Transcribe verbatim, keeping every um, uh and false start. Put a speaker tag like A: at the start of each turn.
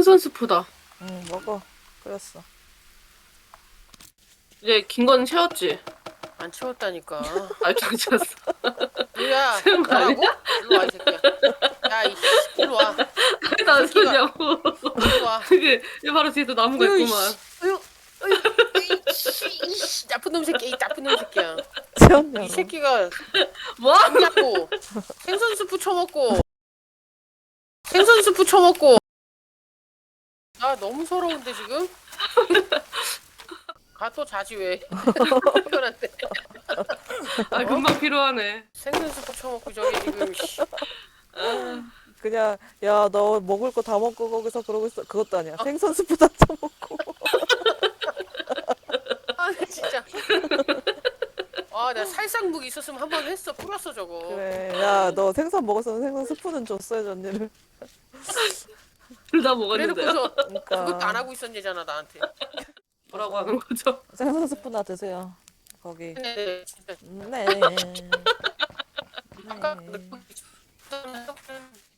A: 생선 스프다.
B: 응, 먹어. 끓였어.
A: 이제 긴 건 채웠지?
C: 안 채웠다니까.
A: 아, 괜찮았어.
C: 뭐야?
A: 채운 거 아니야?
C: 뭐라고? 일로 와, 이 새끼야. 야, 이 씨, 일로 와.
A: 나
C: 새끼가.
A: 소냐고.
C: 일로 와.
A: 그게 바로 뒤에서 나무가
C: 어휴,
A: 있구만.
C: 씨. 어휴, 어휴, 이씨, 이씨, 나쁜 놈 새끼, 이 나쁜 놈 새끼야.
B: 채웠냐고.
C: 이 새끼가
A: 뭐?
C: 잠자고 생선 스프 쳐먹고 생선 스프 쳐먹고. 나 너무 서러운데 지금? 가 또 자지 왜? 피곤한데.
A: 아, 금방 필요하네.
C: 생선 스프 쳐먹고 저기 지금. 씨.
B: 그냥 야 너 먹을 거 다 먹고 거기서 그러고 있어. 그것도 아니야. 생선 스프 다 쳐먹고.
C: 아 진짜. 아, 나 살상무기 있었으면 한 번 했어. 풀었어 저거.
B: 그래. 야 너 생선 먹었으면 생선 스프는 줬어야지 언니를.
A: 둘 다 먹었는데요.
C: 그래놓고서
B: 그러니까.
C: 그것도 안 하고 있었잖아 나한테.
A: 뭐라고 하는 거죠?
B: 생선 스프나 드세요. 거기.
C: 네, 진짜.
B: 네.
C: 아까
B: 네.
C: 그